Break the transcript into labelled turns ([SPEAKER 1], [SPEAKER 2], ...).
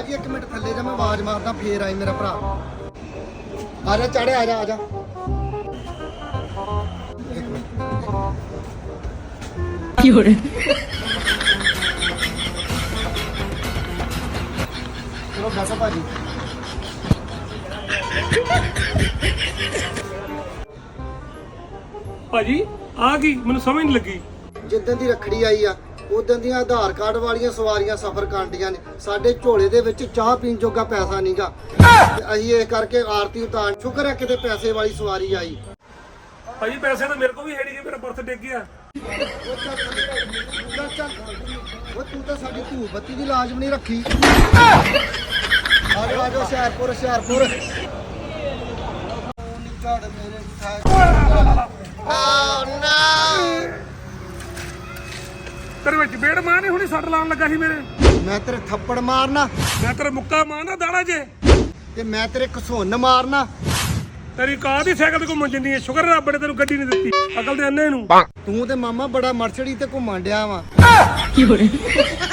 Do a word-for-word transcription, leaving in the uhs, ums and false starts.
[SPEAKER 1] ਭਾਜੀ ਇੱਕ ਮਿੰਟ ਥੱਲੇ ਜਾ, ਮੈਂ ਆਵਾਜ਼ ਮਾਰਦਾ ਫੇਰ ਆਈ ਮੇਰਾ ਭਰਾ। ਆ ਜਾ ਚੜ੍ਹ, ਆ ਜਾ ਆ ਜਾ। ਇੱਕ ਮਿੰਟ
[SPEAKER 2] ਕੀ ਹੋ ਰਿਹਾ?
[SPEAKER 1] ਚਲੋ ਬੈਠੋ ਭਾਜੀ।
[SPEAKER 3] ਭਾਜੀ ਆ ਗਈ, ਮੈਨੂੰ ਸਮਝ ਨਹੀਂ ਲੱਗੀ।
[SPEAKER 1] ਜਿੱਦਣ ਦੀ ਰੱਖੜੀ ਆਈ ਆ ਉਦੋਂ ਦੀਆਂ ਆਧਾਰ ਕਾਰਡ ਵਾਲੀਆਂ ਸਵਾਰੀਆਂ ਸਫ਼ਰ ਕਾਂਡੀਆਂ ਨੇ। ਸਾਡੇ ਝੋਲੇ ਦੇ ਵਿੱਚ ਚਾਹ ਪੀਣ ਜੋਗਾ ਪੈਸਾ ਨਹੀਂਗਾ, ਅਸੀਂ ਇਹ ਕਰਕੇ ਆਰਤੀ ਉਤਾਰ। ਸ਼ੁਕਰ ਹੈ ਕਿਤੇ ਪੈਸੇ ਵਾਲੀ ਸਵਾਰੀ ਆਈ।
[SPEAKER 3] ਭਾਜੀ ਪੈਸੇ ਤਾਂ ਮੇਰੇ ਕੋਲ ਵੀ ਹੈ ਨਹੀਂ, ਮੇਰਾ ਬਰਥ ਡਿੱਗ ਗਿਆ।
[SPEAKER 1] ਉਹ ਚੱਲ ਚੱਲ ਚੱਲ, ਉਹ ਤੂੰ ਤਾਂ ਸਾਡੀ ਧੂਹ ਬੱਤੀ ਦੀ ਲਾਜ਼ਮ ਨਹੀਂ ਰੱਖੀ। ਆ ਜਾ ਆ ਜਾ, ਹੁਸ਼ਿਆਰਪੁਰ ਹੁਸ਼ਿਆਰਪੁਰ। ਝੜ ਮੇਰੇ
[SPEAKER 3] ਤੇਰੇ ਵਿੱਚ ਬੇੜ ਮਾਂ ਨੇ ਹੁਣੀ ਸੱਟ ਲਾਉਣ ਲੱਗਾ ਸੀ ਮੇਰੇ।
[SPEAKER 1] ਮੈਂ ਤੇਰੇ ਥੱਪੜ ਮਾਰਨਾ,
[SPEAKER 3] ਮੈਂ ਤੇਰੇ ਮੁੱਕਾ ਮਾਰਨਾ ਦਾੜਾ ਜੇ,
[SPEAKER 1] ਤੇ ਮੈਂ ਤੇਰੇ ਘਸੁੰਨ ਮਾਰਨਾ।
[SPEAKER 3] ਤੇਰੀ ਕਾਰ ਦੀ ਸਾਈਕਲ ਤੇ ਘੁੰਮਣ ਜਿੰਦੀ ਹੈ। ਸ਼ੁਕਰ ਰੱਬ ਨੇ ਤੈਨੂੰ ਗੱਡੀ ਨਹੀਂ ਦਿੱਤੀ, ਅਕਲ ਦੇ ਅੰਨੇ ਨੂੰ।
[SPEAKER 1] ਤੂੰ ਤੇ ਮਾਮਾ ਬੜਾ ਮਰਸੜੀ ਤੇ ਘੁੰਮਣ ਡਿਆ ਵਾ।
[SPEAKER 2] ਕੀ ਹੋ ਰਿਹਾ?